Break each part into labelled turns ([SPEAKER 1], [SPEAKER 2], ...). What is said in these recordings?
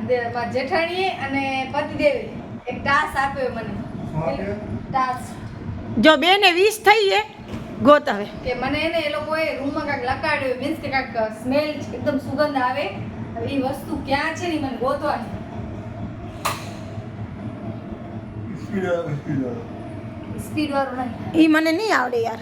[SPEAKER 1] જેઠાણીએ અને પતિદેવે એક ટાસ્ક આપ્યો મને. ટાસ્ક
[SPEAKER 2] જો 2 ને 20 થઈ છે ગોત હવે
[SPEAKER 1] કે મને એને એ લોકોએ રૂમમાં કાંઈક લગાડ્યું મીન્સ કે કાંઈક સ્મેલ એકદમ સુગંધ આવે. હવે એ વસ્તુ ક્યાં છે ને મને ગોતવાની. સ્પીડ વાળું નહીં.
[SPEAKER 2] ઈ મને નહીં આવડે યાર.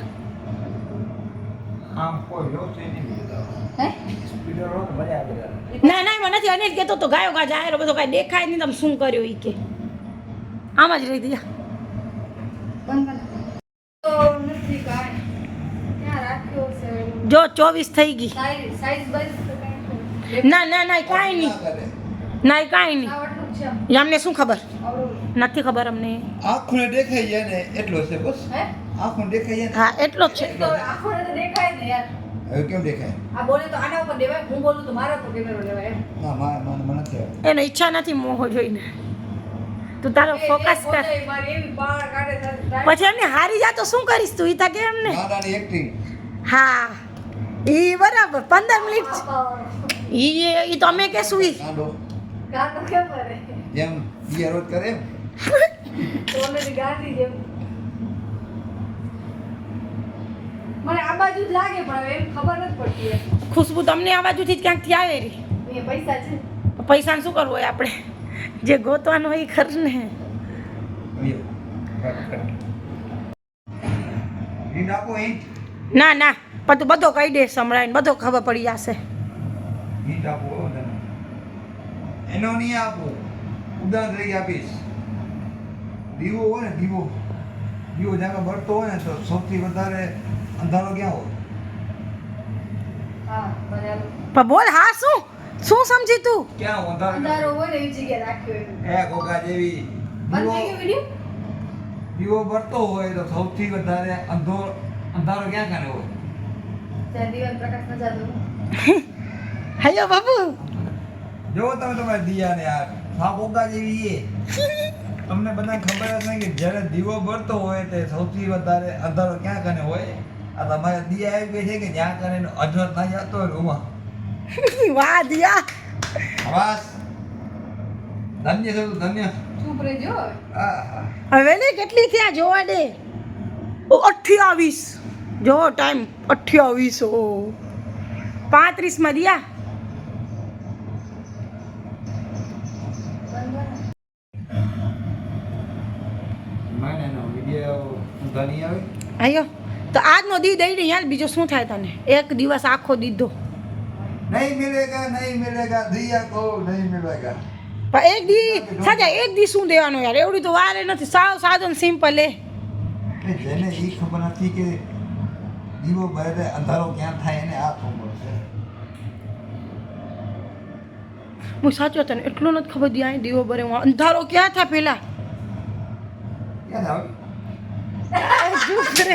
[SPEAKER 3] આમ કોઈ વ્યવસ્થિત નહીં બોલતા.
[SPEAKER 1] હે
[SPEAKER 3] સ્પીડર હોય તો મજા આવે.
[SPEAKER 2] ના ના મને નથી અનિલ કહેતો તો ગાયો ગા જાહેર બધો કાંઈ દેખાય નહીં તમે શું કર્યો ઈ કે આમ જ રહી દીધા.
[SPEAKER 1] બંધ કર. તો નથી કાંઈ ક્યાં રાખ્યો છે
[SPEAKER 2] જો 24 થઈ ગઈ.
[SPEAKER 1] સાઈઝ બાઈઝ તો કાંઈ
[SPEAKER 2] ના ના ના કાંઈ નહીં ના કાંઈ નહીં.
[SPEAKER 1] આવડતું છે
[SPEAKER 2] અમને શું ખબર
[SPEAKER 1] આવડું.
[SPEAKER 2] નથી ખબર અમને.
[SPEAKER 3] આંખોને દેખાઈ જાય ને એટલો છે બસ.
[SPEAKER 1] હે
[SPEAKER 3] આંખોને દેખાઈ જાય
[SPEAKER 2] હા એટલો જ છે.
[SPEAKER 1] તો આખોને તો દેખાય ને યાર.
[SPEAKER 3] ને હવે કેમ દેખાય?
[SPEAKER 1] આ બોલે તો આના ઉપર દેવાય, હું બોલું તો મારા ઉપર કેમેરો લેવાય એમ.
[SPEAKER 3] ના મને નથી આવડતું.
[SPEAKER 2] એને ઈચ્છા નથી મોહો જોઈને. તું તારો ફોકસ કર.
[SPEAKER 1] મારી એવી પાવર કાઢે છે.
[SPEAKER 2] પછી એમને હારી જા તો શું કરીશ તું ઈ તા કે એમને.
[SPEAKER 3] નાનાની એક્ટિંગ.
[SPEAKER 2] હા ઈ બરાબર 15 મિનિટ ઈ તો અમે કે સુઈ.
[SPEAKER 3] ગાંડો
[SPEAKER 1] ગાંડો કેમ કરે?
[SPEAKER 3] જેમ ઈ રોજ કરે એમ.
[SPEAKER 1] ઓલરેડી ગાંડી જેમ. મને આ બાજુ જ લાગે પણ હવે એમ ખબર નથી પડતી એમ.
[SPEAKER 2] ખુશ્બુ તમને આ બાજુથી જ ક્યાંકથી આવે રી.
[SPEAKER 1] અહીંયા પૈસા છે.
[SPEAKER 2] પૈસાને શું કરવું હોય આપણે જે ગોતવાનું હોય એ ખર ને.
[SPEAKER 3] હિંટ આપો હિંટ.
[SPEAKER 2] ના ના પણ તું બધો કહી દે સંભળાઈને બધો ખબર પડી જશે.
[SPEAKER 3] હિંટ આપો તને. એનો નહીં આપો. ઉદાહરણ તરીકે આપીશ. દીવો હોય ને દીવો જ્યાં બળતો હોય ને તો સૌથી વધારે અંધારો ક્યાં હોય?
[SPEAKER 1] હા બરાબર.
[SPEAKER 2] પણ બોલ હા શું શું સમજી તું?
[SPEAKER 3] ક્યાં અંધારો
[SPEAKER 1] અંધારો હોય ને એવી જગ્યાએ રાખ્યો એમ.
[SPEAKER 3] એ ગોગા જેવી
[SPEAKER 1] બંધ થઈ ગયો વિડીયો?
[SPEAKER 3] દીવો બળતો હોય તો સૌથી વધારે અંધારો ક્યાં કાને હોય?
[SPEAKER 1] ત્યાં દીવાનો પ્રકાશ ન જાતો.
[SPEAKER 2] હયો બાબુ
[SPEAKER 3] જો તમે તમારા દિયાને યાર આ ગોગા જેવી એ તમને બધાને ખબર જ નહીં કે જ્યારે દીવો બળતો હોય તે સૌથી વધારે અંધારો ક્યાં કાને હોય? આ તમારે દિયા એવી છે કે જ્યાં કાને અજર ના જતો હોય રૂમાં.
[SPEAKER 2] વાહ દિયા.
[SPEAKER 3] આવાસ ધન્ય છે તું ધન્ય.
[SPEAKER 1] ચૂપ રહેજો હવે.
[SPEAKER 3] આહા.
[SPEAKER 2] હવે ને કેટલી થયા જોવા દે. ઓ 28 જો ટાઈમ 28 ઓ 35 માં દિયા.
[SPEAKER 3] મને નો વિડિયો ધની આવે.
[SPEAKER 2] આયો તો આજનો દી દઈ દે યાર બીજો શું થાય તને એક દિવસ આખો દીધો
[SPEAKER 3] નહીં મિલેગા દિયા કો નહીં મિલેગા.
[SPEAKER 2] પણ એક દી સાજા એક દી શું દેવાનો યાર એવડી તો વાર નથી સાવ સાદો ને સિમ્પલ એ.
[SPEAKER 3] જેને એ ખબર નથી કે દીવો બળે અંધારો ક્યાં થાય એને આ ખબર છે.
[SPEAKER 2] હું સાચો તને એટલું નથી ખબર દી આ દીવો બરે હું અંધારો ક્યાં થાય પેલા.
[SPEAKER 3] ક્યાં થાય?
[SPEAKER 2] ચૂપ રે.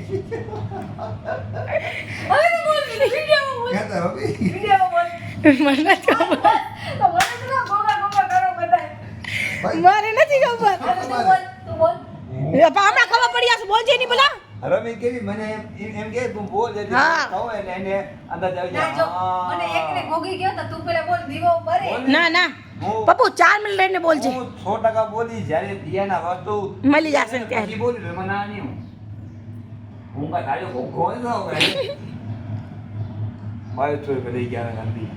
[SPEAKER 1] હવે તો બોલ વિડીયોમાં બોલ.
[SPEAKER 3] ક્યાં થાય હવે?
[SPEAKER 1] વિડીયોમાં બોલ.
[SPEAKER 2] મને નથી ખબર.
[SPEAKER 1] તો મને તો ના ગોગા ગોગા કરો બધાય.
[SPEAKER 2] મારે નથી ખબર.
[SPEAKER 1] હવે તું બોલ તું બોલ.
[SPEAKER 2] પણ હમણાં ખબર પડી જશે બોલજે નહીં પેલા.
[SPEAKER 3] રમી કેવી મને એમ કે તું બોલ એટલે
[SPEAKER 2] હા.
[SPEAKER 3] કહો એટલે એને અંદાજ આવી
[SPEAKER 1] ના જો મને એકને ગોગી ગયો તો તું પેલા બોલ દીવો બરે.
[SPEAKER 2] ના ના પપ્પુ 4 મિનિટ લઈને બોલજે
[SPEAKER 3] હું 100% બોલી જ્યારે દિયાના વસ્તુ
[SPEAKER 2] મળી જશે ને ત્યારે.
[SPEAKER 3] પછી બોલી તો મને ના નહીં હું કાંઈ તાજો કોઈ ગોળ ન હોય મારે થોડી બધી ગયા ગાંધી.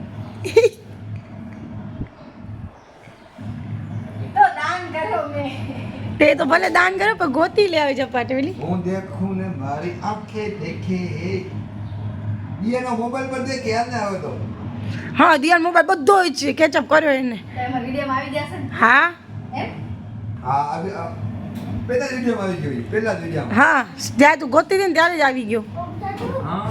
[SPEAKER 1] તો દાન કર્યો મેં.
[SPEAKER 2] તે તો ભલે દાન કર્યો પણ ગોતી લે આવે જપાટ પેલી.
[SPEAKER 3] હું દેખું ને મારી આંખે દેખે દિયાનો મોબાઈલ પર દેખે યાદ ના આવે તો.
[SPEAKER 2] હા દિયાન મોબાઈલ બધો જ છે કેચઅપ કર્યો એને.
[SPEAKER 1] તો એમાં વિડીયોમાં આવી જશે ને
[SPEAKER 2] હા
[SPEAKER 1] એમ.
[SPEAKER 3] હા પેલા વિડીયોમાં આવી ગયો પેલા જ વિડીયોમાં.
[SPEAKER 2] હા જ્યારે તું ગોતી હતી ને ત્યારે જ આવી ગયો.
[SPEAKER 3] હા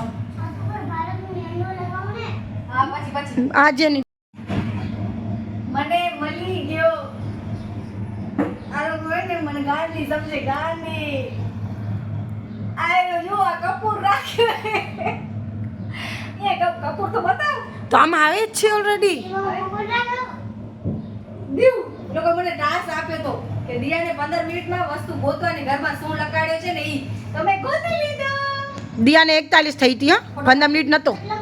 [SPEAKER 1] હા પછી
[SPEAKER 2] આજે નહીં.
[SPEAKER 1] મને મળી ગયો. આ લોકો હોય ને મને ગાંધી સમજે ગાંધી. આયો જો આ કપૂર રાખ્યો. એ કપૂર તો બતાવ.
[SPEAKER 2] તો આમાં આવે જ છે ઓલરેડી.
[SPEAKER 1] દીવ લોકો મને ટાસ્ક આપ્યો તો કે દિયાને 15 મિનિટમાં વસ્તુ ગોતવાની ઘરમાં શું લગાડ્યો છે ને ઈ તમે ગોતી લીધો.
[SPEAKER 2] દિયાને 41 થઈ હતી હા 15 મિનિટ નતો.